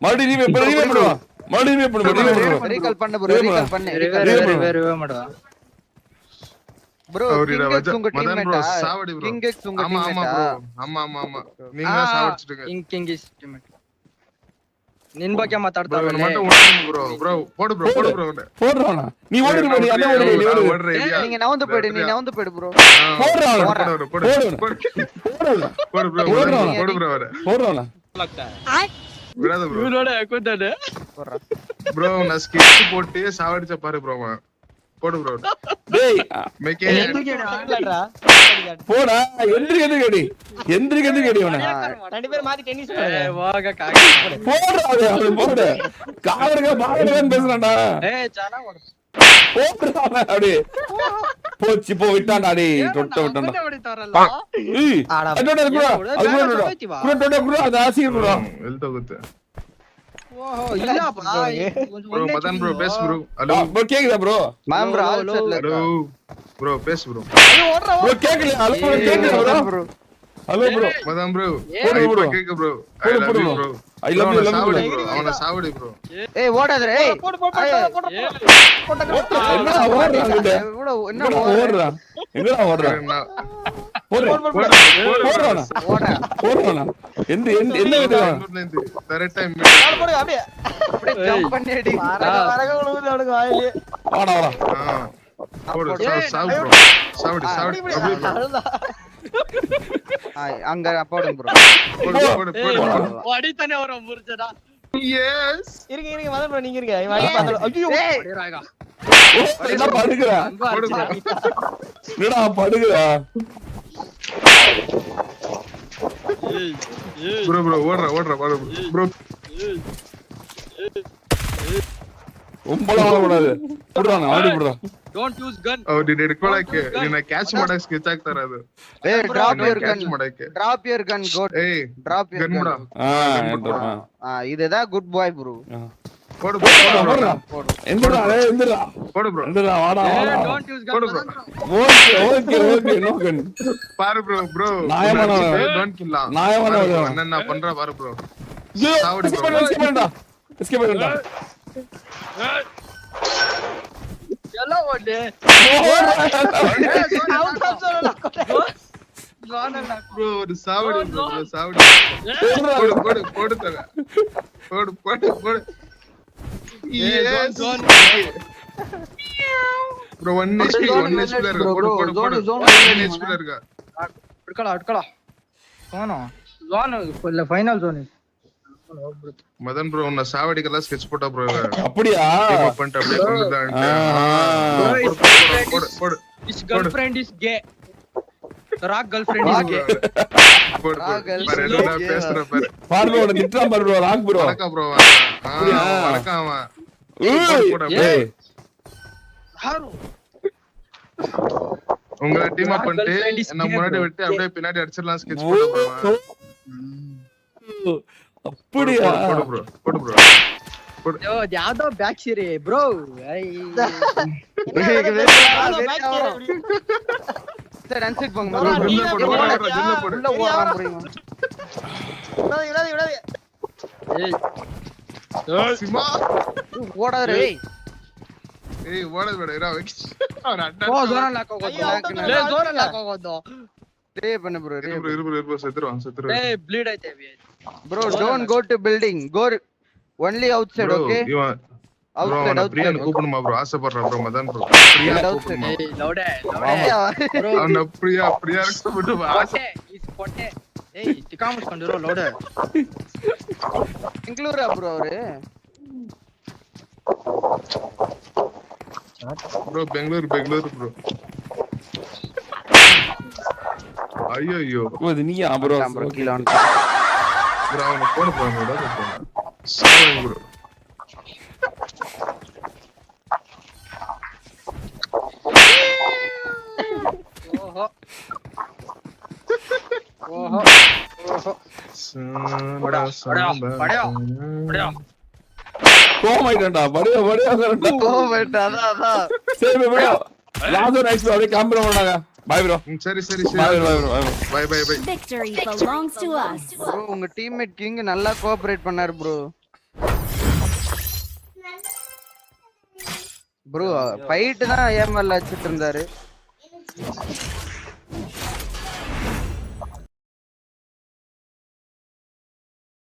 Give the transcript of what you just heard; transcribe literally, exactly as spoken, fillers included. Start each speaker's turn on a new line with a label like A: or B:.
A: மறுபடியும் ரீவே பண்ணு ரீவே பண்ணுவா மறுபடியும் ரீவே பண்ணு ரீவே பண்ணு
B: ரீகால் பண்ணு ப்ரோ ரீகால் பண்ணு
C: ரிவர் ரிவர் ரிவர் மாடுவா
B: ப்ரோ கிங் உங்க டீம்மேட்டா
D: சாவடி ப்ரோ
B: கிங் எக்ஸ் உங்க
D: ஆமா ஆமா
B: டீம்மேட்டா
D: ப்ரோ ஆமா ஆமா ஆமா நீங்க தான் சாவடிச்சிட்டீங்க
C: கிங் கிங் இஸ் டீம்மேட் ನಿನ್ ಬಗ್ಗೆ
D: bro
C: ಮಾತಾಡ್ತಾರಲ್ಲ
D: ನನ್ನ ಮಟ್ಟ ಓಡ್ತೀನಿ bro bro போடு bro போடு bro
A: போடுறானா நீ ஓடு bro நீ அத ஓடு நீ ஓடு
D: ஓடுற இல்லையா
B: நீங்க நவுந்து போய்டு நீ நவுந்து போய்டு ப்ரோ
A: போடுறானா
D: போடு போடு
A: போடுறானா
D: போடு bro போடு bro வர
A: போடுறானா
D: விடாத bro
C: இவனோட அக்கவுண்டட்
B: போடுறா
D: bro நான் ஸ்கிட் போட்டு சாவடிச்ச பாரு bro போடு bro
A: டேய்
D: மேக்கே
A: போடா எந்திரி எந்திரி கேடி எந்திரி எந்திரி கேடி அவன
C: ரெண்டு பேர் மாத்தி டென்னிஸ் போடுங்க வாங்க காக்கி
A: போடுறா அவன் போடு காவரங்க பாவரங்க பேசுறான்டா
C: ஏய் சானா ஓடு
A: போடுறானா அப்படியே போச்சு போ விட்டான்டா டேய் தொட்ட விட்டான்டா
C: அப்படி தரல
A: ஏய் அதோட குரா அது குரா குரா தொட குரா அது ஆசி குரா
D: ಎಲ್ತ ಹೋಗುತ್ತೆ
C: ஓஹோ இல்லப்பா
D: bro மதன் bro பேசு bro ஹலோ
A: bro கேக்குதா bro
B: மேம் ப்ரோ ஆல் செட்ல
D: ஹலோ bro பேசு bro
A: bro கேக்கல ஹலோ bro கேக்குதா bro hello bro
D: Madhan bro
A: போடு bro
D: கேக்கு bro I love you bro
A: I love you love you
D: bro அவன சாவடி bro
B: ஏய் ஓடாத ஏய்
C: போடு போடு போடு
A: என்னடா ஓடுறாங்க
B: இவ்வளவு என்ன
A: என்னடா ஓடுறா எங்கடா ஓடுறா போடு போடுறானா
B: ஓடா
A: போடுறானா எந்த எந்த என்ன விடுறான்
D: கரெக்ட் டைம்
C: போடு அப்படியே
B: அப்படியே ஜம்ப் பண்ணி அடி
C: வரக உழுவுது அவனுக்கு வாயிலே
A: வாடா வாடா
D: போடு சாவு bro சாவடி சாவடி
B: அங்க போடுங்க ப்ரோ
D: போடு போடு போடு
C: அடி தண்ணி வரும் முறிச்சடா
D: எஸ்
C: இருங்க இருங்க மதன் bro நீங்க இருங்க இவன் அடி பாத்தல ஐயோ அடிறாங்க
A: என்ன படுக்குறா
D: போடு bro
A: என்னடா படுக்குறா
C: ஏய் ஏய்
D: bro bro ஓடுற ஓடுற ஓடு bro
A: ரொம்பலாம் ஓடக்கூடாது போடுறானா ஆடி போடுறா
C: ಡೋಂಟ್ ಯೂಸ್ ಗನ್
D: ಅವ್ರು ನೀನು ಹಿಡ್ಕೊಳಕ್ಕೆ ನಿನ್ನ ಕ್ಯಾಚ್ ಮಾಡಕ್ ಸ್ಕೆಚ್ ಆಗ್ತಾರ ಅದು
B: ಏ ಡ್ರಾಪ್ ಯುವರ್ ಗನ್
D: ಕ್ಯಾಚ್ ಮಾಡಕ್ಕೆ
B: ಡ್ರಾಪ್ ಯುವರ್ ಗನ್ ಗೋಟ್
D: ಏಯ್
B: ಡ್ರಾಪ್ ಯುವರ್
D: ಗನ್ ಬಿಡ
B: ಗನ್
A: ஆ ஏன்டா
B: ஆ இதுதான் குட் பாய் ப்ரோ
D: போடு
A: போடுறா
D: போடு
A: எந்திரா டேய் எந்திரா
D: போடு bro
A: எந்திரா வாடா வாடா
C: ಡೋಂಟ್ ಯೂಸ್
D: போடு
C: gun
D: bro
A: okay okay okay no gun
D: பாரு bro bro
A: நாயமான
D: டோன்ட் கில்லா
A: நாயமான
D: என்ன நான் பண்ற பாரு bro
A: சாவடி bro எஸ்கேப் பண்ணடா எஸ்கேப் பண்ணடா
C: ಎಲ್ಲ ಓಡ್ಲಿ ಔಟ್ ಆಫ್ ಝೋನ್ ಅಲ್ಲ
D: bro ஒரு சாவடி bro சாவடி போடு போடு போடு தர போடு போடு போடு yes bro one H P one H P ல இருக்கு போடு போடு போடு one H P ல இருக்கு
C: ಅಡ್ಕಳ ಅಡ್ಕಳ ಝೋನ್ ಝೋನ್ ಇಲ್ಲ ಫೈನಲ್ ಝೋನ್
D: மதன் bro உன்ன சாவடிக்கெல்லாம் ஸ்கெட்ச் போட்டா bro
A: அப்படியா
D: டீம் அப் பண்ணிட்டு அப்படியே கொண்டுதான்ட்டு போடு போடு
C: His girlfriend is gay. Rock girlfriend is gay.
D: போடு பாரு என்ன பேசுற பாரு
A: பாரு bro நிட்றா பாரு bro ராக் bro
D: வணக்கம் bro வணக்கம் அவன்
A: ஏய்
C: யாரு
D: உங்க டீம் அப் பண்ணிட்டு என்ன முன்னாடி விட்டு அப்படியே பின்னாடி அடிச்சிரலாம் ஸ்கெட்ச் போட்டா bro
A: அப்படியா
D: போடு bro போடு bro
C: ಯೋ ಯಾವ್ದೋ ಬ್ಯಾಕ್ ಸೀರೆ ಬ್ರೋ
B: சரி அன்செட் போங்க
D: bro ஜிம்ல போடு போடு ஜிம்ல போடு
B: உள்ள ஓடுறான் ப்ரோ
C: விடாதே விடாதே ஏய்
D: சிமா
B: ஓடாத ஏய்
D: ಏಯ್ ಓಡೋದ್ ಬೇಡ ಇರೋ ಅವನ ಅಡ್ಡ
C: ಓ ಝೋನ್ ಲಾಕ್ ಹೋಗೋದು ಲೇ ಝೋನ್ ಲಾಕ್ ಹೋಗೋದು
B: ರೇ ಬನ್ನ ಬ್ರೋ ರೇ
D: ಇರು ಇರು ಇರು ಸೆತ್ರು ಸೆತ್ರು
C: ಲೇ ಬ್ಲೀಡ್ ಐತೆ
B: bro don't go to building go only outside okay
D: ಇವ
B: ಔಟ್ಸೈಡ್
D: ಪ್ರಿಯನ್
B: ಔಟ್ಸೈಡ್
D: ಕೂಪನ್ ಮಾ ಬ್ರೋ ಆಸೆ ಪಡ್ರ ಬ್ರೋ ಮದನ್ ಬ್ರೋ ಪ್ರಿಯಾ ಕೂಪನ್ ಮಾ
C: ಏಯ್ ಲೌಡೆ ಲೌಡೆ ಬ್ರೋ
D: ಅವನ ಪ್ರಿಯಾ ಪ್ರಿಯಾ ಬಿಟ್ಟು
C: ಆಸೆ ಇಸ್ ಕೊಟ್ಟೆ ಏಯ್ ಟಿಕಾ ಮುಸ್ಕೊಂಡಿರೋ ಲೌಡೆ
B: ಬೆಂಗಳೂರಾ ಬ್ರೋ ಅವರೇ
D: ಬ್ರೋ ಬೆಂಗಳೂರು ಬೆಂಗಳೂರು ಬ್ರೋ ಅಯ್ಯೋ ಅಯ್ಯೋ
A: ಓ ಇದು ನೀಯಾ ಬ್ರೋ
B: ಬ್ರೋ ಕಿಲೋನ್
D: ಬ್ರೋ ಅವನ ಫೋನ್ ಬ್ರೋ ನೋಡೋದು ಸಾವನ್ ಬ್ರೋ
C: ಓಹೋ ಓಹೋ ಓಹೋ ಬಡ ಬಡ ಬಡ ಬಡ
A: கோமாயிட்டா படியா படியா
B: கோமாயிட்டா அதான் அதான்
A: சரி ப்ரோ லாஸ்ட் நைஸ் ப்ரோ அப்படியே கேம்பர் பண்ணாங்க பை ப்ரோ
D: சரி சரி சரி
A: bye bye bro
D: bye bye bye
E: Victory belongs to us.
B: Bro உங்க டீம்மேட் கிங் நல்லா கோஆபரேட் பண்ணாரு ப்ரோ ப்ரோ ஃபைட் தான் ஏமல்ல வச்சிட்டு இருந்தாரு